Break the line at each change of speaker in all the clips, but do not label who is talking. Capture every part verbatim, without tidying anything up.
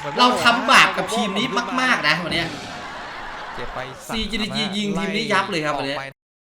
เราทำบาปกับทีมนี้มากๆนะวันนี้
เจ็บไป
ซี จี ดี จี ยิงทีมนี้ยับเลยครับวันนี้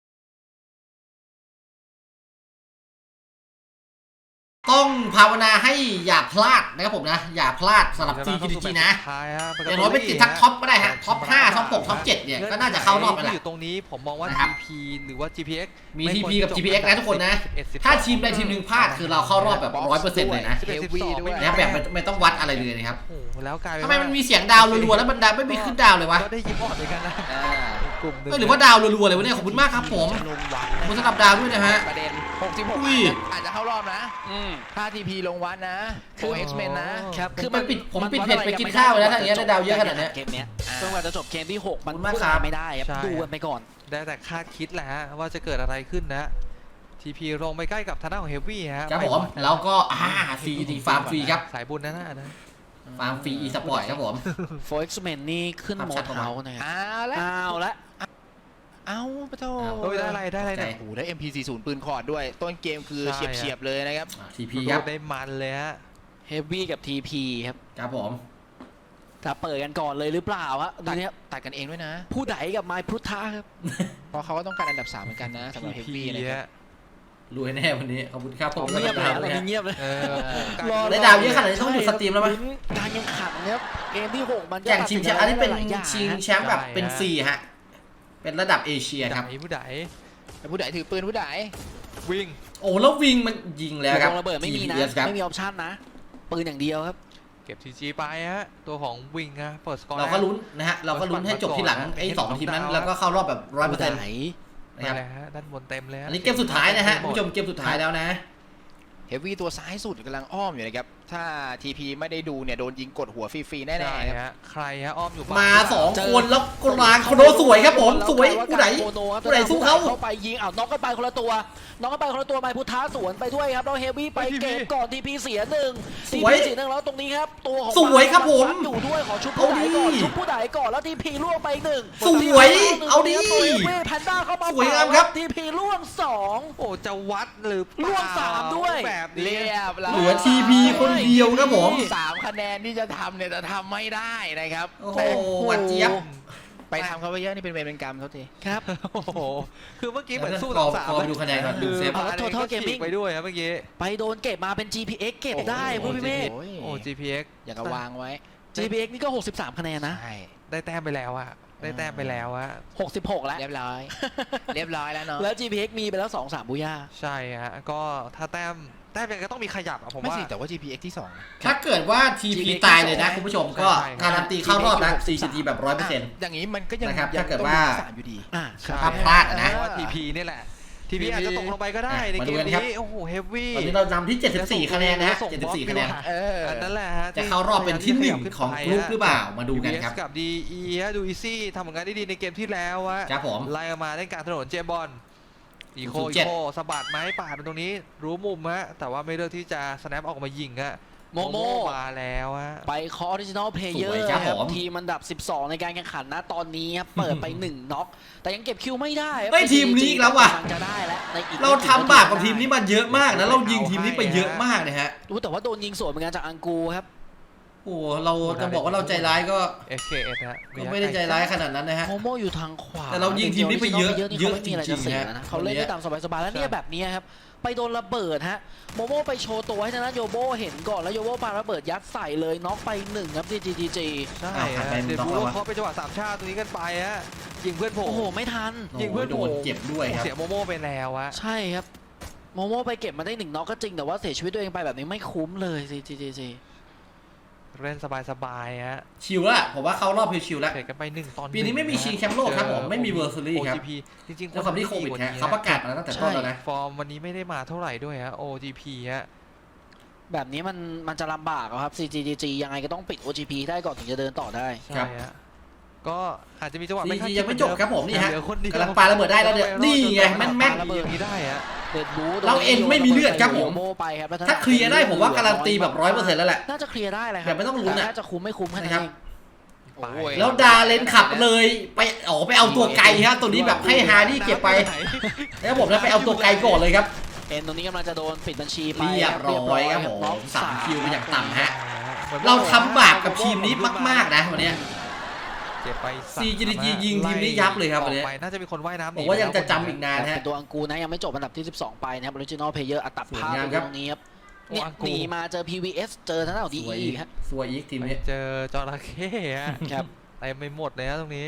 ต้องภาวนาให้อย่าพลาดนะครับผมนะอย่าพลาดสำหรับ ซี จี ดี จี นะอย่างน้อยเป็นติดทักท็อปก็ได้ฮะท็อปห้าท็อปหกท็อปเจ็ดเนี่ยก็น่าจะเข้ารอบไปแหละ
อยู่ตรงนี้ผมมองว่า ที พี หรือว่า จี พี เอ็กซ์
มี ที พี กับ จี พี เอ็กซ์ นะทุกคนนะถ้าทีมใดทีมหนึ่งพลาดคือเราเข้ารอบแบบ ร้อยเปอร์เซ็นต์ เลยนะนะแบบไม่ต้องวัดอะไรเลยนะครับ
แล้วกลายเป็น
ทำไมมันมีเสียงดาวรัวๆแล้วมันดาวไม่มีขึ้นดาวเลยวะ
ก็ได้ยินบอดเหมือนกันนะ
กลุ่มหรือว่าดาวรัวๆเลยวะเนี่ยขอบคุณมากครับผมขอบคุณสำหรับดาวด้วยนะฮะ
ประเด็นหกสิบหกอาจจะเข้ารอบนะถ้า ที พี ลงวัดนะโอ เอ็กซ์ เมน นะครับ
คือมันปิดผมปิดเพจไปกินข้าวแล้วถ้าอย่างเงี้ยได้ดาวเยอะขนาดนี้
เกมเนี้ยจนกว่าจะจบเกมที่หกมันพูดอะไรไม่ได้ครับดูกันไปก่อน
ได้แต่คาดคิดแหละฮะว่าจะเกิดอะไรขึ้นนะ ที พี ลงไปใกล้กับทางด้านของเฮฟวี่ฮะ
ครับผมแล้วก็อ่าฟรีดีฟาร์มฟรีครับ
สายบุญนะนะนะ
ฟาร์มฟรีอีสปอร์ตครับผม
โฟร์ เอ็กซ์ เมน นี่ขึ้นโหมดเฮาส์นะครับ
อ้าวแล้ว
อ้าวแล้ว
เอาปะโถ
ได้อะไรได้อะไรเนี่ย
โอ้โหได้ เอ็ม พี สี่สิบ ปืนคอร์ดด้วยต้นเกมคือเฉียบๆเลยนะครับ
ที พี ครับ
ได้มันเลยฮะ
เฮฟวี่กับ ที พี ครับ
ครับผม
จะเปิดกันก่อนเลยหรือเปล่าฮะตอนนี้
ตัดกันเองด้วยนะ
ผู้ใดกับไมค์พุทธะครับ
เพราะเขาก็ต้องการอันดับสามเหมือนกันนะสำหรับเฮฟวี่นะครับ
รวยแน่วันนี้ขอบคุณครับผม
เงียบเลยอะไรเงียบเลย
ได้ดาวเยอะขนาดนี้ต้องหยุดสตรีมแล้วมั้ย
การแข่งขันครับเกมที่หกมัน
แข่งชิงแชมป์อันนี้เป็นชิงแชมป์แบบเป็นฟรีฮะเป็นระดับเอเชียครับ
ผู้ใด
ผู้ใดถือปืนผู้ใด
วิ่ง
โอ้แล้ววิ่งมันยิงแล้วครับ
ระเบิดไม่มีนะไม่มีออปชั่นนะปืนอย่างเดียวครับ
เก็บ ที จี ไปฮะตัวของวิ่งนะเปิดสกอร์
เราก็ลุ้นนะฮะเราก็ลุ้นให้จบที่หลังไอ้สองทีมนั้นแล้วก็เข้ารอบแบบร้อยเปอร์เซ็นต์
นะครับด้านบนเต็มเลย
อันนี้เกมสุดท้ายนะฮะผู้ชมเกมสุดท้ายแล้วนะ
เฮฟวี่ตัวซ้ายสุดกำลังอ้อมอยู่นะครับถ้า ที พี ไม่ได้ดูเนี่ยโดนยิงกดหัวฟรีๆแน่ๆครับ
ใครฮะอ้อมอยู่
มาสองคนแล้วกลางโคโนสวยครับผมสวยผู้ใดผู้ใดสู้เขา
เข้าไปยิงเอาน็อกกันไปคนละตัวน้องก็ไปคนละตัวไปพุทธะสวนไปด้วยครับเราเฮฟวี่ไปเก็บก่อน ที พี เสียหนึ่ง ที พี เสียหนึ่งแล้วตรงนี้ครับตัวของ
สวยครับผม
อยู่ด้วยขอชุบผู้ใดก่อนชุบผู้ใดก่อนแล้ว ที พี ล่วงไปหนึ่ง
สวยเอาดิ
แพนด้าเข้ามา
สวยงามครับ
ที พี ล่วงสอง
โอ้จะวัดหรือ
ล่วงสามด้วย
แบบ
เรียบ
เหลือ ที พี คนเดียวครับผม
สามคะแนนที่จะทำเนี่ยจะทำไม่ได้นะครับ
โอ้โหหวัดเจี๊ยบ
ไปทำเขาไปเยอะนี่เป็นเวรเป็นกรรมเขาที
ครับ
โอ้โหคือเมื่อกี้เหมือนสู้สองสาม
ดูคะแนนก่อนดูเซฟ
เอาโททอลเกมมิ่ง
ไปด้วยครับเมื่อกี้
ไปโดนเก็บมาเป็น จี พี เอ็กซ์ เก็บได้พูดพี่เมฆ
โอ้ จี พี เอ็กซ์
อยากวางไว้
จี พี เอ็กซ์ นี่ก็หกสิบสามคะแนนนะ
ได้แต้มไปแล้วอะได้แต้มไปแล้วอะ
หกสิบหกแล้ว
เรียบร้อยเรียบร้อยแล้วเนาะ
แล้ว จี พี เอ็กซ์ มีไปแล้วสองสามบูย่า
ใช่ฮะก็ถ้าแต้มแต้มก็ต้องมีขยับอะผมว่า
ไม่สิแต่ว่า จี พี เอ็กซ์ ที่สอง
ถ้าเกิดว่า ที พี ตายเลยนะคุณผู้ชมก็การันตีเข้ารอบนะ ซี จี ดี แบบ ร้อยเปอร์เซ็นต์
อย่างนี้มันก็ยัง
ถ้าเกิดว่า
อยู่ดี
ถ้าพลาดนะ
ที พี นี่แหละ ที พี อาจจะตกลงไปก็ได้ในเกมนี้โอ้โหเฮฟวี่
ตอนนี้เรานำที่เจ็ดสิบสี่คะแนนนะเจ็ดสิบสี่คะแนน
อันนั้นแหละฮะ
จะเข้ารอบเป็นที่หนึ่งของกลุ่มหรือเปล่ามาดูกันครับ
กับ ดี อี ฮะดูอีซี่ทำผลงานได้ดีในเกมที่แล้ววะ
ครับผม
ไล่มาเล่นการถนนเจมบอลอีโคอีโคสะบัดไม้ป่าเป็นตรงนี้รู้มุมฮะแต่ว่าไม่เลือกที่จะสแนปออกมายิงฮะ
โมโม
มาแล้วฮะ
ไปคอออริจินอลเพลเยอร์ครับทีมอันดับสิบสองในการแข่งขันนะตอนนี้ครับเปิดไปหนึ่งน็อกแต่ยังเก็บคิวไม่ได้
ไม่ทีมนี้แล้วว่ะ
จะได้แล้ว
เราทำบาปกับทีมนี้มาเยอะมากนะเรายิงทีมนี้ไปเยอะมากเลยฮะ
รู้แต่ว่าโดนยิงสวนเหมือนกันจากอังกูครับ
โอ้เราจะบอกว่าเราใจร้ายก็
เอส เค เอส ฮะ
ก็ไม่ได้ใจร้ายขนาดนั้นนะฮะ
โมโมอยู่ทางขวา
แต่เรายิงทีมนี้ไปเยอะเยอะจริงๆ
นะเขาเล่นได้ตามสบายๆแล้วเนี่ยแบบนี้ครับไปโดนระเบิดฮะโมโมไปโชว์ตัวให้ทางด้านโยโบเห็นก่อนแล้วโยโบปาระเบิดยัดใส่เลยน็อกไปหนึ่งครับ จี จี จี
ใช่เดี๋ยวดูว่าเขาไปจังหวะสามชาติตรงนี้กันไปฮะยิงเพื่อนผม
โอ้โหไม่ทัน
ยิงเพื่อนโดนเจ็บด้วยครับ
เสียโมโมไปแล้วอะ
ใช่ครับโมโมไปเก็บมาได้หนึ่งน็อกก็จริงแต่ว่าเสียชีวิตตัวเองไปแบบนี้ไม่คุ้มเลย จี จี จี
เล่นสบายๆฮะ
ชิลละผมว่าเขารอบชิลแล้ว
เตะกันไปหนึ่งตอน
ปีนี้ไม่มีชิงแชมป์โลกครับผมไม่มีเวอร์ซูรี่ครับ
จริงๆ
ด้วยความที่โควิดฮะเขาประกาศมาแล้วตั้งแต่ต้นแล้วนะ
ฟอร์มวันนี้ไม่ได้มาเท่าไหร่ด้วยฮะ โอ จี พี ฮะ
แบบนี้มันมันจะลำบากครับ ซี จี จี ยังไงก็ต้องปิด โอ จี พี ได้ก่อนถึงจะเดินต่อได้
ใช่ฮะก็อาจจะมีจังหวะ
ไม่ยังไม่จบครับผมนี่ฮะกำลังปาระเบิดได้แล้วเนี่ยนี่ไงแม่นแม่น
ระเบิดนี้ได้ฮะ
เราเอ็นไม่มีเลือดครับผมถ้าเคลียร์ได้ผมว่าการันตีแบบร้อยเปอร์เซ็นต์แล้วแหละ
น่าจะเคลียร์ได้เลยครับ
แบบไม่ต้องลุ้นนะ
น่าจะคุ้มไม่คุ้มแค่นั้น
แล้วดาเลนขับเลยไปอ๋อไปเอาตัวไกลฮะตัวนี้แบบให้ฮาร์ดี้เก็บไปแล้วผมแล้วไปเอาตัวไกลก่อนเลยครับ
เอ็นตรงนี้กำลังจะโดนปิดบัญชีไป
เรียบร้อยครับผมสามคิวเป็นอย่างต่ำฮะ
หมือน
เราทำบาปกับทีมนี้มากๆนะวันเนี้ย
เจ็บไปสาม
ซี จี ดี จี ยิงทีมนี้ยับเลยครับวันนี้
ออกไปน่าจะมีคนว่ายน้ำหนี
ผมว่ายังจะจำอีกนาน
เป็
ฮะ
นตัวอังกูนะยังไม่จบอันดับที่สิบสองไปนะครับ Original Player อัตภาพ
สวยงาม
ต
ครับ
รงนี้ครับเนี่ยหนีมาเจอ พี วี เอส เจอทางด้านของ ดี
สวย
อี
อีก
ฮะ
สวยอีกทีม
ไป
นี้
เจอจระเข้ฮะ
ครับ
เต็มไปหมดเลยฮะตรงนี้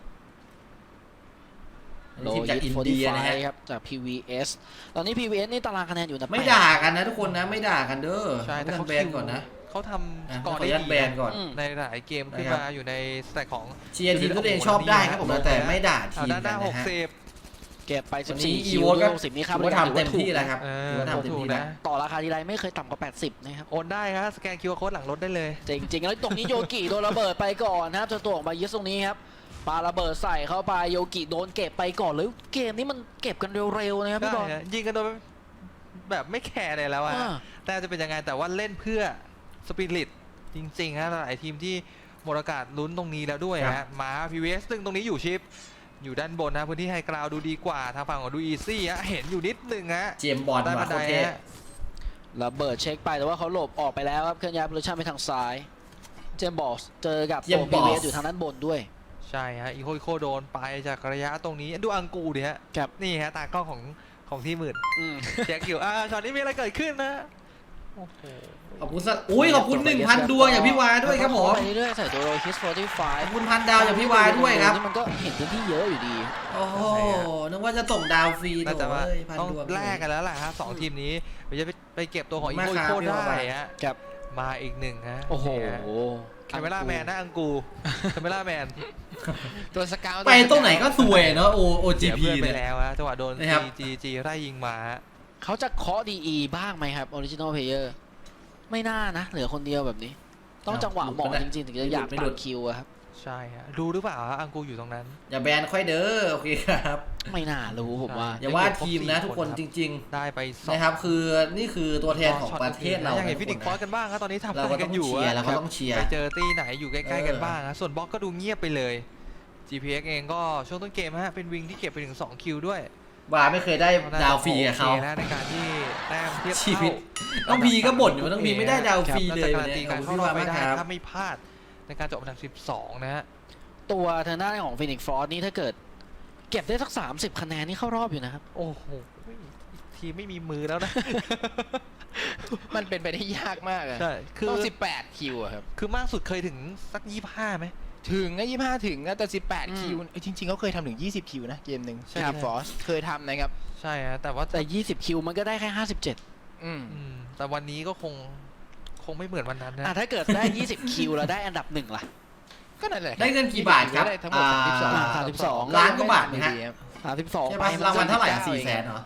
โล
ทีมจาก
ยิ
อิ
ต
นเดียนะฮะ
ครับจาก พี วี เอส ตอนนี้ พี วี เอส นี่ตารางคะแนนอยู่นะ
ไม่ด่ากันนะทุกคนนะไม่ด่ากันเด้อ
ใช่แต่
แต่
เขา
แบนก่อนนะ
เขาท
อ่ะ
ำสก
ข
อ
อ
ร์
อ
ได้
นุญาต
ดี
แบนก่อน
อืม
ในหลายเกมขึ้น
นะครับ
มาอยู่ในสแต็กของ
เชียร์ทีมที่ตัวเองชอบได้ครับผมนะแต่ไม่ด่าทีม
ด้านห
กั
น้าน ห
นะ
ก
ฮะ
สิบ
เก็บไป
วั
สิ
น
บ
นี้
สี่
อี
คิว
โวก็
หกสิบนี่ครับ
ถือว่าทำเต็มที่แล้วครับ
เออ
ถือว่าทำเต็ม
ถูก
ที่
นะ
แล้ว
ต่อราคาทีไรไม่เคยต่ำกว่าแปดสิบนะครับ
โอนได้ครับสแกนคิวอาร์โค้ดหลังรถได้เลย
จริงๆแล้วตรงนี้โยกิโดนระเบิดไปก่อนนะครับเจอตัวออกมายึดตรงนี้ครับปาระเบิดใส่เข้าไปโยกิโดนเก็บไปก่อนเลยเกมนี้มันเก็บกันเร็วๆนะครับพี่บอล
ได้ฮะยิงกันโดยแบบไม่แคร์เลยแล้วอะ
อ่า
แต่จะเป็นยังไงแต่ว่าเล่นเพื่อสปิริตจริงๆฮะหลายทีมที่หมดอากาศลุ้นตรงนี้แล้วด้วย
ครั
ฮะ
บ
มา พี วี เอส ซึ่งตรงนี้อยู่ชิป อยู่ด้านบนนะพื้นที่ไฮกราวดูดีกว่าทางฝั่งของดูอีซี่ฮะเห็นอยู่นิดนึงฮะ
เจมส์บอล
ได้
มา
บัน
โค
ได
ตรเท่
ฮะ
ระเบิดเช็คไปแต่ว่าเขาหลบออกไปแล้วครับเคลื่อนย้ายโพซิชั่นไปทางซ้าย เจมส์บอสเจอกับตัว พี วี เอส อยู่ทางด้านบนด้วย
ใช่ฮะอีโคอีโคโดนไปจากระยะตรงนี้ดูอังกูดิฮะ
ครับ
นี่ฮะตากล้องของของที่หมื่น
อืม
แจ็คอยู่อ่าช็อตนี้มีอะไรเกิดขึ้นนะโอ้โห
ขอบคุณสัตว์อุ้ยขอบคุณหนึ่งพันดวงอย่างพี่วายด้วยครับผม
ไปเรื่อยๆใส่ตัวโรฮิสโฟร์ตี้ไฟ
ขอบคุณพันดาวอย่างพี่วายด้วยครับ
นี่มันก็เห็นพื้นที่เยอะอยู่ดี
โอ้โหนึกว่าจะส่งดาวฟรี
น่าจะว่า
โถ่เอ้ยพัน
ต้อง
ดวง
แลกกันแล้วล่ะฮะสองทีมนี้ไปจะไปไปเก็บตัวของอี
มา
โค
ค
อี
รับ
โค
พี่
ได้
วาย
ฮะ
ครับ
มาอีกหนึ่งฮะ
โอ้โห
คาเมล่าแมนนะอังกูคาเมล่าแมน
ตัวสเกล
ไปตรงไหนก็สวยเนาะโอโอจี
เสีย
พี
เพื่อนไป
เนี่ย
แล้วฮะจังหวะโดน
นะครับ
จีจีไล่ยิงมาฮะ
เขาจะเคาะดีอีบ้างไหมครับออริจินอลเพลเยอร์ไม่น่านะ เหลือคนเดียวแบบนี้ ต้องจังหวะเหมาะจริงๆ ถึงจะอยากตัดคิวอะครับ
ใช่ฮะรู้หรือเปล่าฮะอังกูอยู่ตรงนั้น
อย่าแบนค่อยเด้อโอเคครับ
ไม่น่ารู้ผมว่า
อย่าว่าทีมนะทุกคนจริง
ได้ไปส
ๆ
อง
นะครับคือนี่คือตัวแทนของประเทศเรา
ยังเห็น
นะ
ฟินิก
ทุ
ฟ
ก
อ
ค
สกันบ้างครับตอนนี้ทำ
เรา
อะไร
ก็
กั
ต้อน ง
อยู่
เชียร์
อะ
เราก็ต้องเชียร์
ไปเจอตีไหนอยู่ใกล้ๆกัน
เออ
บ้างฮะส่วนบล็อกก็ดูเงียบไปเลย จี พี เอ็กซ์ เองก็ช่วงต้นเกมฮะเป็นวิงที่เก็บไปถึงสองคิวด้วย
ว่าไม่เคยได้ดาวฟรีกับเขา
โอคนะในการที่แต้มเทียบ
ชี
เท่า
วิตน้องพีก็บ่นอยู่ว่าน้องพีไม่ได้ดาวฟรี
น่า
เล
จะ
ย
กา
วัน
รันตี
นี้ข
กา
อบ
ร
คุณ
เข้าร
พี่
อบ
วาย
ไป
มาก
ได้
ครับ
ถ้าไม่พลาดในการจบอันดับสิบสองนะฮะ
ตัวทางด้านของฟินิกฟอร์นี่ถ้าเกิด เก็บได้สักสามสิบคะแนนนี่เข้ารอบอยู่นะครับ
โอ้โหทีมไม่มีมือแล้วนะ
มันเป็นไปได้ยากมากอะ
ใช่คือ
ต้องสิบแปดคิวอะครับ
คือมากสุดเคยถึงสักยี่สิบห้าไหม
ถึงนะยี่ห้าถึงนะแต่สิบแปด
อืม
คิวเอ้ยจริงๆเขาเคยทำถึงยี่สิบคิวนะเกมหนึ่ง
ใช่
ทีมฟอสเคยทำนะครับ
ใช่ฮะแต่ว่า
แต่ยี่สิบคิวมันก็ได้แค่ห้าสิบเจ็ด
อืม
อืมแต่วันนี้ก็คงคงไม่เหมือนวันนั้นนะ
อ่ะถ้าเกิดได้ยี่สิบคิวแล้วได้อันดับหนึ่งล่ะ
ก็นั่นแหละ
ได้เงินกี่บาทครับ
ได้ทั้งหมดสามสิบสอง
อ่า
สามสิบสอง
ล้านกว่าบาทนะฮะ
สามสิบสอง
ใช่
ไป
ปะรางวัลเท่าไหร่สี่แสนเหรอ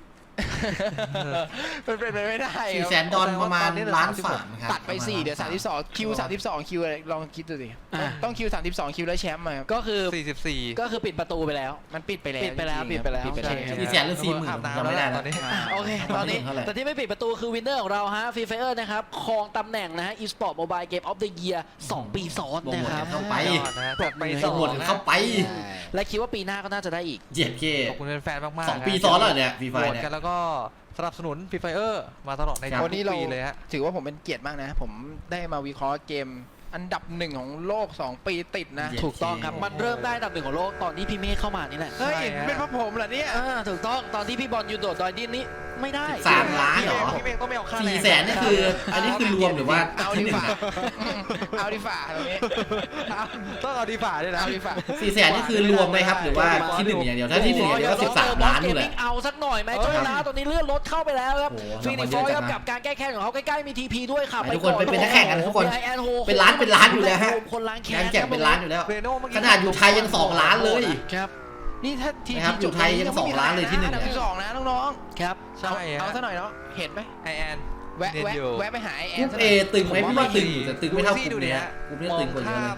มันเป็นไปไม่ได้
สี่
ค
แส
รับ
นดอลประมาณล้านสามครับ
ตัดไปสี่เดี๋ยวสามสิบสองคิวสามสิบสองคิวอะไรลองคิดดูสิต้องคิวสามสิบสองคิวแล้วแชมป์มาครับ
ก็คือ
สี่สิบสี่
ก็คือปิดประตูไปแล้ว
มันปิดไปแล้ว
ปิดไปแล้ว
จริงๆ
ปิดไปแล้ว
ปิดไปแล้ว
ใช่
สี่แสนหรือสี่หมื่น
อาบน้ำ
จำไม่ได้
แล้ว
นะ
ตอนนี้
อ่า
โอเค ตอนนี้
เท่าไหร่
แต่ที่ไม่ปิดประตูคือวินเนอร์ของเราฮะฟรีไฟเออร์นะครับครองตำแหน่งนะฮะ e-sport mobile game of the year สองปีซ้อนนะครับ
เข้าไป
ยอดนะฮะจัดไป
ไป
ส
ส
อง
มุด
นะ
เข้าไป
และคิดว่าปีหน้าก็น่าจะได้อีก
เจ็ดเค
ขอบคุณแฟนๆมากๆ
สองปี
นะ
ซ้อนแล้วเนี่ยฟรีไฟ
โหวต
เนี่ย
กันแล้วก็สนับสนุนฟรีไฟเออร์มาตลอดใน
ครับ
ทุ
วันนี้
ก
เรา
ปีเลยฮะ
ถือว่าผมเป็นเกียรติมากนะ ผมได้มาวิเคราะห์เกมอันดับหนึ่งของโลกสองปีติดนะ
เย้
ถูกต้องครับ มันเริ่มได้อันดับหนึ่งของโลกตอนที่พี่เมฆเข้ามานี่แหละ
เฮ้ย
ใช่ฮะ
เป็นเพราะผมเหรอเนี่ย
อ่าถูกต้องตอนที่พี่บอลยูโดดดอยดินนี้ไม่ได้
สามล้านเหรอ
พี่เมฆต้องไม่เอาค่าแรง
สี่แสนนี่คือ อันนี้คือรวมหรือว่า
เอาดีฝ่าเอาดีฝ่าตรงนี้
ต้องเอาดีฝ่าด้วยนะ
เอาดีฝ่า
สี่แสนนี่คือรวมไหมครับ หรือว่าที่หนึ่งอย่างเดียว ถ้าที่หนึ่งอย่างเดียวก็สิบสามล้านอยู่แหละ
เอาสักหน่อยไหม
เออ
เจ้านะตอนนี้เลื่อนรถเข้าไปแล้วครับ
โอ้โห
ฟีนิกซ์ฟ
ราง
อ
วัล
ย
เย
ค
อะ
รับ
จังนะ
กับการแก้แค้นของเขาใกล้ๆมีทีพีด้วยค่ะ
ทุกคนไปเป็นนักแข่งกันทุกคน
ไอแอนโฮ
เป็นล้านเป็นล้านอยู่แล้วฮะ
คนล้างแค้
งาน
น
แจกเป็นล้านอยู่แล้ว
เรโน่เมื่อ
ข
กี้
นาดอยู่ไทยยังสองล้านเลย
ครับ
นี่ถ้าที
นะครับอยู่ไทยยังสองล้านเลยที่หนึ่ง
อันดับ
เนี่ย
ที่สองนะน้อง
ครับ
ๆ
ใช่
เอา
ฮะ
เอาซะหน่อยเนาะเห็นไหม
ไอแอน
แวะ
เนียน
แวะ
อยู่
แวะไปหาไอแอก
รุ๊
น
ป
ซะห
เอ
น่อย
ตึงไหมพี่ว่าตึงอยู่แต่ตึงไม่เท่ากลุ่ม
ดูดิ
เนี้ย
ฮะ
กลุ่มเนี้ย
มอ
ตึ
ง
งกว่าเยอะ
ข้า
เลย
ม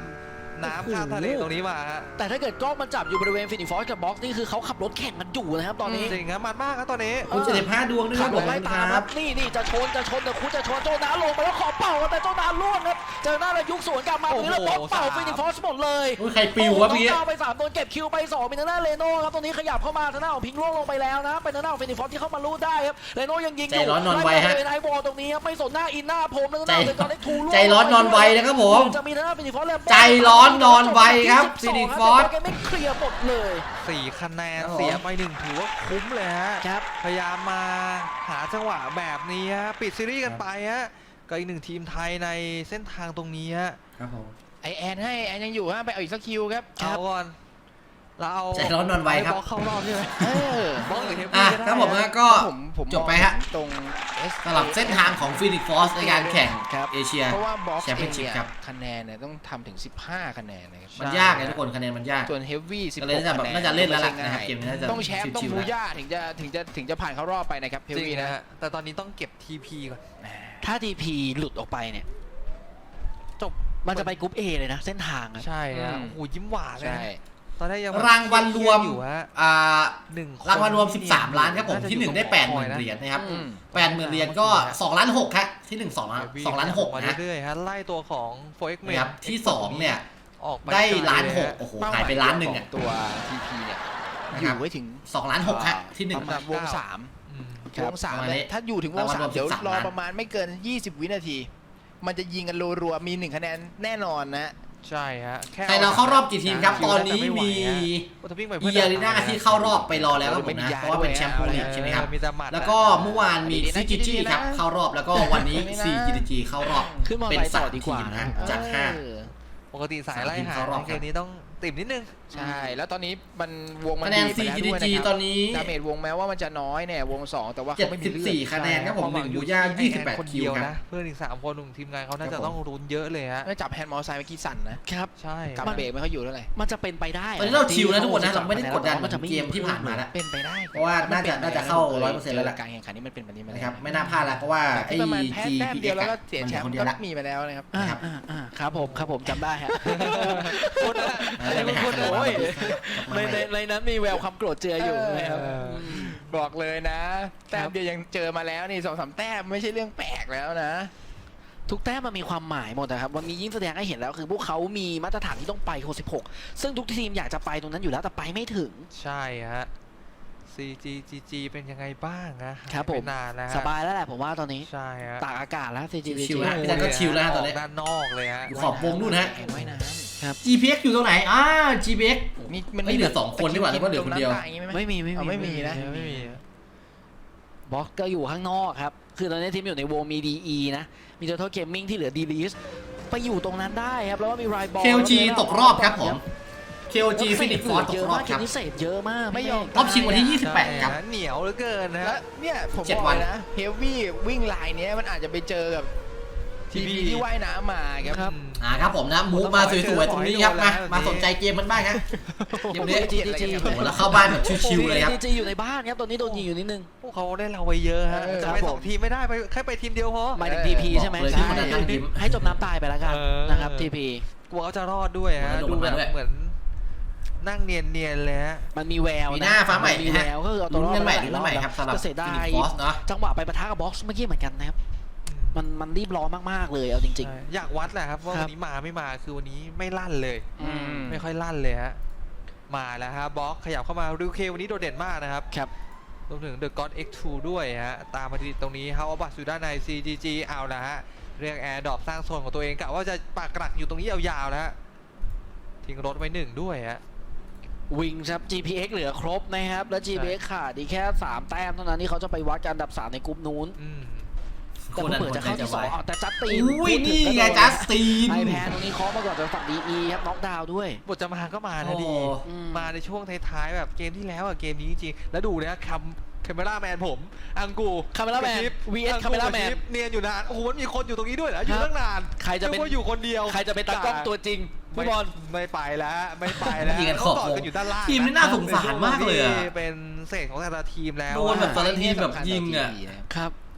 น้ำข้ามทะเลตรงนี้มาฮะ
แต่ถ้าเกิดกล้องมันจับอยู่บริเวณฟินิกฟอร์สกับบ็อกซ์นี่คือเขาขับรถแข่งกันอยู่นะครับตอนนี้
จริงครับมันมากครับตอนนี้
คุณเจ็ดสิบห้าดวงด้วยค
ขั
รั
บบ ร
ผ
ถ
ม
ไล่ตาม
ค
ค
รั
รั
บบ
นี่นี่จะชนจะชนแต่คุณจะชนโจนาลงไปแล้วขอเป่าแต่โจนาล่วงครับเจอหน้าแล้วยุกสวนกลับมาตรงนี้แล้วบล็อกเป่าฟินิกฟอร์สหมดเลย
โอ้ยใครปิววะพี่
โอ้โหน้องดาวไปสามโดนเก็บคิวไปสองมีทางด้านเลโน่ครับตรงนี้ขยับเข้ามาทางด้านของพิงล่วงลงไปแล้วนะเป็นทางด้านของฟินิกฟอร์สที่เข้ามาลู่ได้ครับเลโน่ยังยิงอยู่
ใจร้อนนอนไวฮะ
ไล่มาเลยไอวอลตรงนี้ครับไม่สนหน้าอินหน้าผมทาง
ใจ
ด้านของเดอะกอนเล็กทูล่วง
ใจร้อนนอนไวนะครับผม
จะมีทางด้านฟินิกฟอร์สแล้ว
ใจร้อนนอนไวครับฟินิกฟอร์ส
แกไม่เคลียร์หมดเลย
สี่คะแนน
ครับผม
เสียไปหนึ่งถือว่าคุ้มเลยฮะ
ครับ
พยายามมาหาจังหวะแบบนี้ฮะปิดซีรีส์กันไปฮะก็อีกหนึ่งทีมไทยในเส้นทางตรงนี้ฮะ
ครับผม
ไอแอนให้แอนยังอยู่ฮะไปเอาอีกสักคิวครับ
เอาก่อนเราเอา
ใจร้อนนอนไวครับ
บล็อกเข้ารอบใช่ไหม
เออบ
ล็อกหรือเทป
อ่ะ
ก็ได้
ครับผม
ฮะ
นะก็
ผมผม
จบไปฮะ
ตรง S
สำหรับเส้นทางของฟินิกฟอร์สในการแข่ง
ครับ
เอเชีย
เพราะว่าบ็อกซ์
แชมเปี้
เอย
น
ง
ชิพ
เนี่ย
ครับ
คะแนนเนี่ยต้องทำถึงสิบห้าคะแนนนะครับ
มันยากเลยทุกคนคะแนนมันยาก
ส่วนเฮฟวี่สิบ
ก็
ห
เลย
ก
น่าจะแบบ
คะแนน
น่าจะเล่นแล้วล่ะ
ไม่
นะครับ
ใช่
เกมนี้น่าจะ
ต้องแชมป์ต้อง
ชิว
บู
ๆแล้ว
ย่าถึงจะถึงจะถึงจะผ่านเข้ารอบไปนะครับเฮฟ
จริง
วี่
นะ
นะ
ฮะแต่ตอนนี้ต้องเก็บ ที พี ก่อน
ถ้าทีพีหลุดออกไปเนี่ย
จบ
มันจะไปกรุ๊ป A เลยนะเส้นทางอะ
ใช่ฮะโอ้โหยิ้มหวานเลย
ใช่
ฮะตอนแรกยัง
รางวัลรวม
อยู่ฮะ
อ่า
หนึ่งคน
รางวัลรวม สิบสาม ล้านครับผม
จะ
ที่หนึ่ง
อยู่
ได้
ตร
แปดหมื่น
คอยะ
เหรียญนะครับ
อืม
แปดหมื่นเหรียญก็สองล้านหกครับที่หนึ่งสองล้านสองล้านหก
มา
นะ
เรื่อยๆฮะไล่ตัวของโฟเอ็กเม
นะครับที่สองเนี่ย
ออกไป
ได้
ก
ล้าน
เย
หก
ฮะ
โอ้โห
เป้
หายไปล้านหนึ่งอ่ะ
ของตัว ที พี เนี่ย
นะ
อ
ครับ
ยู่ไว้ถึง
สองล้านหกฮะที่หนึ่ง
ประมาณวงสาม
อืม
วงสาม
ประมาณนี้
เนี่ยถ้าอยู่ถึงวงสาม
รางวัลรวม
เดี๋ยว
สิบสาม
รอ
ล้าน
ประมาณไม่เกิน ยี่สิบ วินาที มันจะยิงกันรัวๆมีหนึ่งคะแนนแน่นอนนะ
ใช่ฮะแค่
ใครเราเข้ารอบกี่ทีมครับ ตอนนี้มี
โอ้แต่วิ่งไป
อี
เพื่
อารีนาที่เข้ารอบไปรอแล้วครับผมนะเพราะว่าเป็นแชมป์โปรลีกใช่ไหมครับ
มีแต่หมัด
แล้วก็เมื่อวานมี
ดีนะ
ซีจีจี
ดีนะ
ครับเข้ารอบแล้วก็วันนี้
ดีนะ
ซีจีจีเข้ารอบ
ขึ้นมอ
เป็น
ไซค์
สา
ต่อ
ม
ดีก
ที
ว่า
ม
นะ
นะจากห้า
เออ
ปกติสายไล่หา
เข้ารอบ
ในเกมนี้ต้องติ่มนิดนึง
ใช่ แล้วตอนนี้มันวงมัน
คะแนน
ดีไป
ซี
แล้ว
จี
ด้วย
จี
นะค
ต
รั
อบ นนี้
ดาเมจวงแม้ว่ามันจะน้อยเนี่ยวงสองแต่ว่า
เจ็ด
เขาไม่มี
สิบ
เลือ
สี่
ด
คะแนนครับผมหนึ่งบูย่ายี่สิบแปดคิว
เดียว
ครับ
นะเพื่อนอีกสามคนหนึ่งทีมงานเขาน่า
ครั
จะ
บผม
ต้องรุนเยอะเลยฮะ
แล้วจับแฮนด์มอเตอร์ไซค์เมื่อกี้สั่นนะครับ
ใช่
กำเบรกไม่ค่อยอยู่เท่าไหร่
มันจะเป็นไปได้
ตอนนี้เราชิลนะทุกคนนะเราไม่ได้กดดันเหมือน
จะไ
เกมที่ผ่านมาแล้ว
เป็นไปได้
เพราะว่าน่าจะน่าจะเข้าร้อยเปอร์เซ็นต์แล้วล่ะ
การแข่งขันนี้มันเป็นแบบนี้มา
นะครับไม่น่าพลาดแล้วเพราะว่าไอ้
ที่ประมาณแพ้
จี
แต้ม
พี
เดี
เอ็
ยว
ก
แล้วก็
ซ์
เสีย
มัน
แช
เหลือ
ม
คน
ป์
เดียว
ก็
ละ
มีมาแล้วนะครับ
อ่าอ่าอ่าครับผมครับผมจำได้ฮะ
คนละ
ได้ไปหาคะแนน
โอ้ย
มา
ในในในนั้นมีแววความโกรธเจืออยู่นะครับ
เออ
ม
บอกเลยนะ แต้มเดียวยังเจอมาแล้วนี่สองสามแต้มไม่ใช่เรื่องแปลกแล้วนะ
ทุกแต้มมันมีความหมายหมดนะครับวันนี้ยิ่งแสดงให้เห็นแล้วคือพวกเขามีมาตรฐานที่ต้องไปหกสิบหกซึ่งทุกทีมอยากจะไปตรงนั้นอยู่แล้วแต่ไปไม่ถึง
ใช่ฮะ ซี จี จี จี เป็นยังไงบ้างนะครับ
ผม
หายไปนานแล้วฮะ
สบายแล้วแหละผมว่าตอนนี้
ใช่ฮะ
ตากอากาศแล้ว ซี จี
ชิวๆ
จี
นะพี่แจ๊คก็ชิลแล้วฮะตอนนี้
กด้านนอกเลยฮะ
อยู่ขอบวงนู่นฮะ
แข่งว่ายน้
จี พี เอ็กซ์ อยู่ตรงไหนอ่า จี พี เอ็กซ์
ำมีมัน
เฮ้ยเหลือสองคนดีกว่าหรือว่าเหลือคนเดียว
จมำตาอย่างงี้ไหม
ไม่มีไม่
เอา
มี
ไม่มีนะ
ไม่มี
บล็อกก็อยู่ข้างนอกครับคือตอนนี้ทีมอยู่ในวงมี ดี อี นะมี Total Gaming ที่เหลือ ดี ลีส ไปอยู่ตรงนั้นได้ครับแล้วก็มีไรบอล
เค โอ จี ตกรอบครับผม เค โอ จี ฟินิกฟอร์สต
เย
ก
อะ
รอ
มา
บ
ก
ครับ
เกมนี้เสพเยอะมาก
ไม่ยอม
รอบชิงวันที่ยี่สิบแปดครับ
ใช่ฮะเหนียวเหลือเกินนะ
แล้ว
ฮะ
เนี่ยผม
เจ็ด
บอก
วัน
เลยนะเฮฟวี่วิ่งไลน์เนี้ยมันอาจจะไปเจอกับที
ที
พี
พี
ที่ว่ายน้ำมาครับ
ครับ
อ่าครับผมนะมูฟมาสวยๆตรงนี้ครับมามาสนใจเกมมันบ้างครับเกมนี้
จีจีจี
โอ้โหแล้วเข้าบ้านแบบชิวๆเลยครับ
จีจีอยู่ในบ้านครับตอนนี้โดนยิงอยู่นิดนึง
พวกเขาได้เราไปเยอะฮะ
เออ
จะ
ครับ
ไป
ผม
สองทีมไม่ได้ไปแค่ไปทีมเดียวพอ
หมายถึงทีพีใช่ไหม
บอกเลยที่คนนั้นนั่งยิ้ม
ให้จมน้ำตายไปแล้วกัน
เออ
นะครับทีพี
กลัวเขาจะรอดด้วยฮะ
ลง
ดู
มา
แบบ
ด้วย
เหมือนนั่งเนียนๆเลยฮะ
มันมีแวว
มี
นะ
หน้าฟ้าใหม่
นมีแววก็คือเอาตัว
ลุ้
ร
น
อด
กันใหม่
า
ลุ้นกันใหม่ครับสำหรับ
ก็เสียดา
ฟินิ
ย
กฟอสเนาะ
จังหวะไปปะทะกับบ็อกซ์เมื่อกี้เหมือนกันนะครับมันมันรีบร้อนมากๆเลยเอาจริง
ใช่อยากวัดแหละครับว่า
ครับ
วันนี้มาไม่มาคือวันนี้ไม่ลั่นเลย
ๆอืม
ไม่ค่อยลั่นเลยฮะมาแล้วฮะบล็อกขยับเข้ามาริวเควันนี้โดดเด่นมากนะครับ
ครับ
รวมถึง The God เอ็กซ์ ทู ด้วยฮะตามมาติดตรงนี้เฮาอับัตอยู่ด้านใน ซี จี จี เอาละฮะเรียกแอร์ดรอปสร้างโซนของตัวเองกะว่าจะปากกลักอยู่ตรงนี้ยาวๆแล้วฮะทิ้งรถไว้หนึ่งด้วยฮะ
วิงครับ จี พี เอ็กซ์ เหลือครบนะครับและ จี พี เอ็กซ์ ขาดอีกแค่สามแต้มเท่านั้นที่เขาจะไปวัดกันอันดับสามในกลุ่มนู้น
อืม
ค
แต่
นนั้น
เปิด
คน
จะ
ใจ
เข้า
จะ
ที่ส
วา
อง
ย
อ้าวแต่จัสติน
อุ้ย
พูดถึ
นี่
ก็
ไง
โด
จัสติน
ไอแพนตรงนี้เคาะมาก่อนจากฝั่ง ดี อี ครับน็อกดาวน์ด้วย
บทจะมาก็มานะ
โอ้
ดี
อืม
มาในช่วงท้ายๆแบบเกมที่แล้วอะเกมนี้จริงๆแล้วดูนะคัมคาเมล่าแมนผมอังกู
Cameraman
กระชิป
วี เอส
อังกู
Cameraman
กระชิปเนียนอยู่นานโอ้โหมันมีคนอยู่ตรงนี้ด้วยเหรออยู่
ครับ
ตั้งนาน
ใครจะเป็น
นึกว่าอยู่คนเดียว
ใครจะเป็นตากล้องตัวจริงพี่บอล
ไม่ไปแล้วไม่ไปแล้ว
ยิงกัน
เขา
ขอบ
ต่อ
วง
กันอยู่ด้านล่าง
ทีมนี่น่าสงสารมากเลยอะ
เป็นเศษของแต่ละทีมแล้ว
โดนแบบ
อะ
แต่ละทีมแบบยิงอะ
ครับ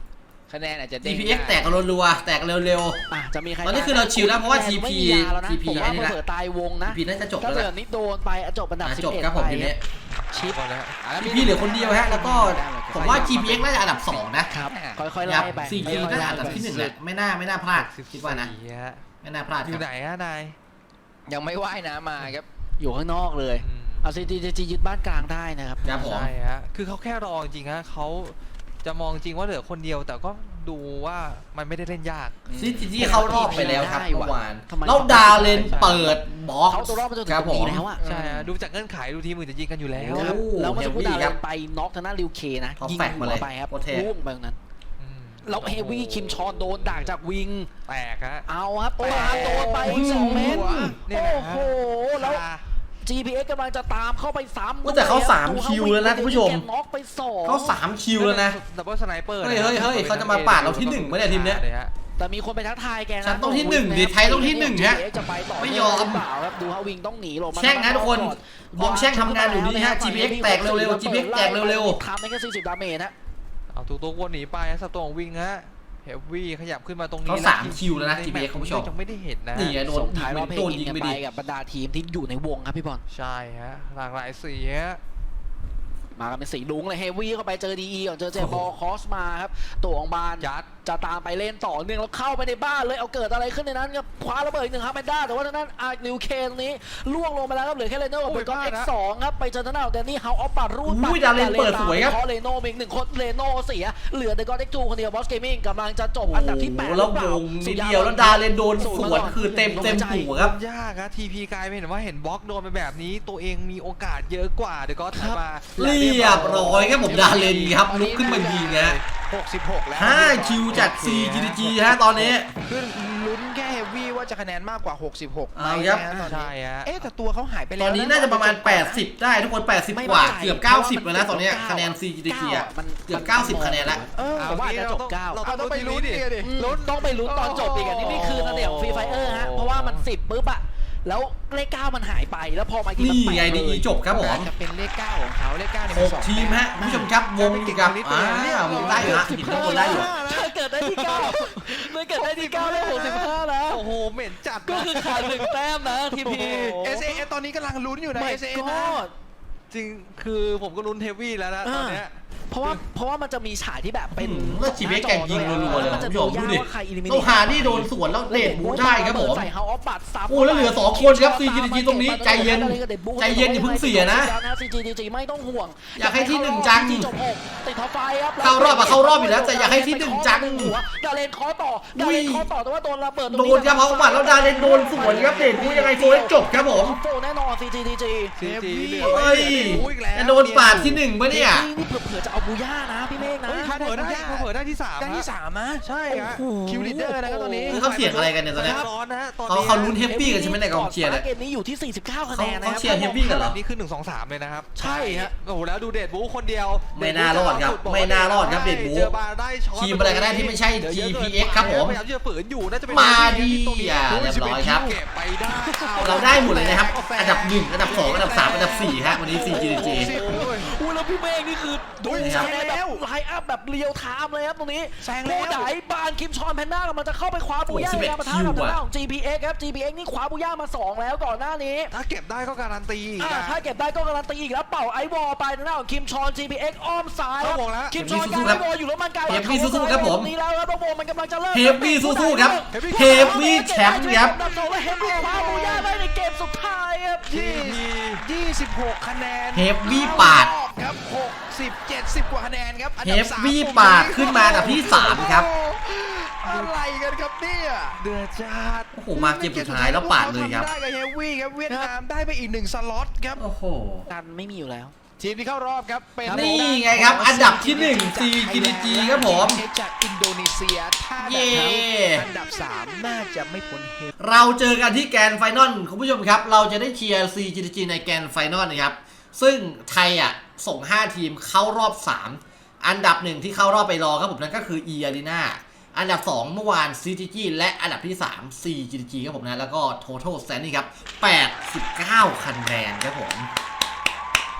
คะแนนอาจจะ
ที
เด้ง
พี เอ็กซ์ แตกกันรัวๆแตกกันเร็ว
อ่ะจะมีใคร
ตอนนี้คือเราชิลแล้วเพราะว่า ที พี
ไม่มียาแล้วนะ
ที พี
ผมว่า
อันนี้ละ
เผื่อตายวง
ๆ
นะ
ที พี น่าจะจบ
ถ้า
แล้ว
เกิ
แห
ด
ละ
นี้โดนไปอ่ะจบอันดับ
อ่ะ
สิบ
จบ
เอ็ด
ครับผม
ไป
ทีนี้
ชิป
ก่อนแล้ว
ที พี เหลือคนเดียวฮะแล้วก็ผมว่า จี พี เอ็กซ์ น่าจะอันดับสองนะครับ
ค่อยๆ
ครั
ไล่
บ
ไป
ซี จี น่าจะอันดับที่หนึ่งแหละไม่น่าไม่น่าพลาดคิดว่านะ
สี่ฮะ
ไม่น่าพลาด
อ
ค
ยู่
รับ
ไหนฮะนาย
ยังไม่ว่ายน้ำมาครับ
อยู่ข้างนอกเลย
อืม
เอาซีจีจียึดบ้านกลางได้นะครับ
ครับผม
ใช่ฮะคือเขาแค่รอจริงๆฮะเขาจะมองจริงว่าเหลือคนเดียวแต่ก็ดูว่ามันไม่ได้เล่นยาก
ซีจีจีเข้ารอบไปแล้วครับเมื่อวาน
ทำไม
แล้วดาวเลนเปิดบล็อก
เขาตัวรอบมาจนถึ
ค
ง
รับ
ต
ผ
รง
ม
นี้แล้วอะ
ใช่ฮะดูจากเงื่อนไขดูทีมอื่นจะยิงกันอยู่แล้ว
โอ้
ครับแล้วเมื่อสักครู่
เฮฟวี่
ดาว
ครั
เล
บ
นไปน็อกทางด้านริวเคนะ
เขา
ยิง
แฟกมา
หั
เล
วย ไปครับ
โคตรเท่
ล่วงไปตรงนั้น
อืม
แล้วเฮฟวี่คิมชอนโดนด่างจากวิง
แตกฮะ
เอาครับโอ้ครับโดนไปอีกสองเมตร
นี่
โอ้
แหละฮะ
โหแล้ว
คา
จี พี เอ็กซ์ กำลังจะตามเข้าไปซ้ำ
ว่าแต่เขาสาม
ดู
คิวแล้วนะคุณผู้ชม
แกน็อกไปสอง
เขาสามคิวแล้วนะ
ดับเบิลสไนเปอร์
เฮ้ยเฮ้ยเฮ้ยเขาจะมาปาดเราที่หนึ่งไหมเนี่ยทีมเนี้ย
ลฮะ
แต่มีคนไปทักทายแกนะ
ฉันต้องที่หนึ่งดิไทยต้องที่หนึ่งฮะ
จี พี เอ็กซ์ จะไปต่อ
ไม่ยอม
หรือเปล่าครับดูฮะวิงต้องหนีลงมา
แช่งนะทุกคนวงแช่งทำงานอยู่นี่ฮะ จี พี เอ็กซ์ แตกเร็วๆ จี พี เอ็กซ์ แตกเร็ว
ทำได้แค่สี่สิบดาเมจนะ
เอาถูกตัววนหนีไปฮะสตองวิงฮะเฮฟวี่ขยับขึ้นมาตรงนี้
เขาสามคิวแล้วนะ จี พี เอ็กซ์ คุณผู้ชม
ยังไม่ได้เห็นนะ
นี่ไงโดน
ส่งท้ายรอบเพล
โดน
ง
ยิง
กัน
ไป
ไป
ดิ
กับบรรดาทีมที่อยู่ในวงครับพี่บอล
ใช่ฮะหลากหลายสีฮะ
มากันเป็นสีลุงเลยเฮฟวี่เข้าไปเจอดีอีก่อนเจอเจบอลคอสมาครับตัวของบาน
ยัด
จะตามไปเล่นต่อเนื่องแล้วเข้าไปในบ้านเลยเอาเกิดอะไรขึ้นในนั้นครับคว้าระเบิดอีกหนึ่งครับแมนด้าแต่ว่าทางด้านอาร์ลิวเคนนี้ล่วงลงไปแล้วครับเหลือแค่เลโน่กับเบอร์กอน
โอ้
เอ็
ย
ก
พลาดนะ
ซ์สองครับไปเจอทางด้านของแดนนี่เฮาออฟบัตรูด
อุ้ยดาเลนเปิดสวยครับ
เพราะเลโน่มีอีกหนึ่งคนเลโน่เสียเหลือเดอะกอนเอ็กซ์ทูคนเดียวบอสเกมมิ่งกำลังจะจบอันดับที่แปด
โอ้โหแล้ววงนิดเดียวแล้วดาเลนโดนสวนคือเต็มเต็มหัวครับ
ยากครับทีพีกลายเป็นว่าเห็นบล็อกโดนไปแบบนี้ตัวเองมีโอกาสเยอะกว่าเดี๋ยวก็ถัดมา
เรียบร้อยครับผมดาเลนครับลุกขึ้นมายิงฮะ
หกสิบหกแล้ว
ห้าคิวจาก ซี จี ดี จี ฮะตอนนี้
คือลุ้นแค่เฮฟวี่ว่าจะคะแนนมากกว่าหกสิบหกไหม
เอาครับ
นะตอน
ใช่
นี้
ฮะ
เอ๊ะแต่ตัวเขาหายไป
ต
แล้ว
อนนี้น่าจะประมาณแปดสิบได้ทุกคนแปดสิบกว่า เกือบเก้าสิบแล้วนะตอนเนี้ยคะแนน ซี จี ดี จี อ่ะ เกือบเก้าสิบคะแนนแล้ว
เออ
ผมว่าอาจจะจบเก้า
เรา
เอาต้องไปลุ้นเนี่ยดิ
ลุ้นต้องไปลุ้นตอนจบอีกอันนี้นี่คือเสน่ห์ของฟรีไฟเออร์ฮะเพราะว่ามันสิบปุ๊บอะแล้วเลขเก้ามันหายไปแล้วพอมาอีกทีมัน
นี่
แปด
ไง
เล
ดี
ย
จบครับผม
จะเป็นเลขเก้าของเขาเลขเก้าเนี่ย
ห
มัน
ก
สอง
ทีมฮะคุณผู้ชมครับวงกับอ่าวงได้อยู่นะหินข้างบนได้อยู่
ถ้าเกิดได้ที่เก้าถ้าเกิดได้ที่เก้าได้หกสิบห้านะ
โอ้โหเหม็นจัด
ก็คือขาดหนึ่งแต้มนะทีพี
เอสเอตอนนี้กำลังลุ้นอยู่นะ
ไม่
เอสเอ
ก็
นะ
จริงคือผมก็ลุ้นเทวี่แล้วนะตอนเนี้ย
เพราะว่าเพราะว่ามันจะมีฉากที่แบบเป็น
แล้วจีเอ็กซ์แกยิงรัวๆเลย
มันจะ
คุณผู้ชมดูดิ
ว่าใคร eliminate
ต้องหาที่โดนสวนแล้วเดดบูได้ครับผม
ใส่เฮาออฟบัตซับ
โอ้แล้วเหลือสองคนครับ ซี จี ดี จี ตรงนี้ใจเย็นใจเย็นอย่าเพิ่งเสียนะ
ซี จี ดี จี ไม่ต้องห่วง
อยากให้ที่หนึ่งจัง
จบหกติดท็อปไฟครับ
เข้ารอบอะเข้ารอบอยู่แล้วแต่อยากให้ที่หนึ่งจัง
หัวดาเลนเคอต่อดาเลนเคอต่อแต่ว่าโดนระเบิดตรง
โดนครับเขาบัตรแล้วดาเลนโดนสวนครับเดดบูยังไงโซนจบครับผม
โฟแน่นอน ซี จี ดี จี
ซีจีเหลือ
เฮ้ยจะโดนปาดที่หนึ่งปะเนี่ย
นี่เผื่อๆจะเอาบูย่านะพี่เมฆนะ
เฮ้ยเผลอได้เผลอได้ที่สาม
ได้ที่สามนะ
ใช่ฮะ
คิวลีดเดอร์นะครับตอนนี้
คือเขาเสียงอะไรกันเนี่ยตอนเนี้ย
ร้อนนะฮะตอน
เขา
นี้
เขาลุ้นเฮฟวี่กันใช่ไหมในกองเชียร์เนี่ย
เกมนี้อยู่ที่สี่สิบเก้าคะแนนนะ
เขาเชียร์ Heavy กันเหรอ
นี่คือหนึ่งสองสามเลยนะครับ
ใช่ฮะ
โอ้โหแล้วดูเดดบูคนเดียว
ไม่น่ารอดครับไม่น่ารอดครับเดดบู
เจอบาร์ได้ช็อต
ทีมอะไรก็ได้ที่ไม่ใช่
ดี๋ยว
จี
ยะ
พี
กิน
เอ็กซ์ ครับผม
พยายามจะฝืนอยู่น่าจะเป็น
มาดิ
ตรงนี้
อ่ะเรียบร้อยครับ
เก็บไปได้
เราได้หมดเลยนะครับ อันดับหนึ่งอันดับสองอันดับสามอันดับสี่ฮะวันนี้ ซี จี ดี จี
อุ้ยแล้วพี่เมฆนี่คือดู
นี่ค
แซ
รับ
งแบบไลน์อัพแบบเรียวไทม์เลยครับตรงนี้
แซงแล้ว
ผู้ใดบานคิมชอนแพนด้ากำลังจะเข้าไปคว้าบูย่า
โอ้โห
ในการปะทะกับ
คิว
ทาง
อะ
ด้านของ จี พี เอ็กซ์ ครับ จี พี เอ็กซ์ นี่คว้าบูย่ามาสองแล้วก่อนหน้านี้
ถ้าเก็บได้ก็การันตีอีก
อ่า
นะ
ถ้าเก็บได้ก็การันตีอีกแล้วเป่าไอวอลไปทางด้านของคิมชอน จี พี เอ็กซ์ อ้อมซ้าย
เข้าวงแล้ว
คิมชอนการไอวอลอยู่แล้วมันไกล
เฮฟวี่สู้ๆครับผม
นี้แล้วครับแล้ววงมันกำลังจะเริ่ม
เฮฟวี่สู้ๆครับเฮฟวี่แชมป์ครับ
อันดับสองและเฮฟวี่คว้าบูย่าได้ในเกมสุดท้ายครับ
ยี่ยี่สิบหกคะแนน
เฮฟวี่ปาด
ครับหกสิบเจ็ดสิบกว่าคะแนนครับอัน
เฮ
ดับ
ฟ
สาม
วี่ปาดขึ้นมาอันดับที่สามครับ
อะไรกันครับเนี่ย
เดือดจัด
โอ้โหมาเกมสุดท้ายแล้วปาดเลยครับ
ได้กับเฮฟวี่ครับเวียดนามได้ไปอีกหนึ่งสล็อตครับ
โอ้โห
กันไม่มีอยู่แล้ว
ทีมที่เข้ารอบครับเป็น
นี่ไงครับอันดับที่หนึ่ง ซี จี ดี จี ครับผม
จากอินโดนีเซียถ้า
เย่
อันดับสามน่าจะไม่พ้นเฮฟ
เราเจอกันที่แกรนด์ไฟนอลคุณผู้ชมครับ เราจะได้เชียร์ ซี จี ดี จี ในแกรนด์ไฟนอลนะครับ ซึ่งไทยอ่ะส่งห้าทีมเข้ารอบสามอันดับหนึ่งที่เข้ารอบไปรอครับผมนั่นก็คือ E Arena อันดับสองเมื่อวาน ซี จี จี และอันดับที่สาม ซี จี ดี จี ครับผมนะแล้วก็ Total Standing ครับแปดสิบเก้าคะแนนครับผม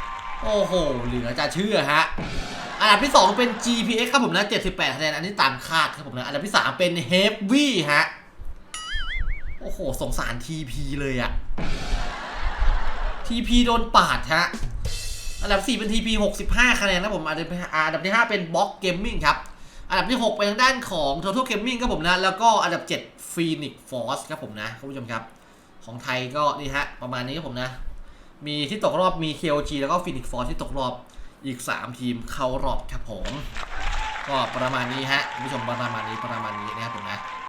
โอ้โหเหลือจะเชื่อฮะอันดับที่สองเป็น จี พี เอ็กซ์ ครับผมนะเจ็ดสิบแปดคะแนนอันนี้ตามคาดครับผมนะอันดับที่สามเป็น Heavy ฮะโอ้โหสงสาร ที พี เลยอะ ที พี โดนปาดฮะอันดับสี่เป็น ที พี หกสิบห้าคะแนนนะผมอันดับอันดับที่ห้าเป็น Box Gaming ครับอันดับที่หกไปทางด้านของ Total Gaming ครับผมนะแล้วก็อันดับเจ็ด Phoenix Force ครับผมนะคุณผู้ชมครับของไทยก็นี่ฮะประมาณนี้ครับผมนะมีที่ตกรอบมี เค โอ จี แล้วก็ Phoenix Force ที่ตกรอบอีกสามทีมเข้ารอบครับผมก็ประมาณนี้ฮะคุณผู้ชมประมาณนี้ประมาณนี้นะครับผมนะ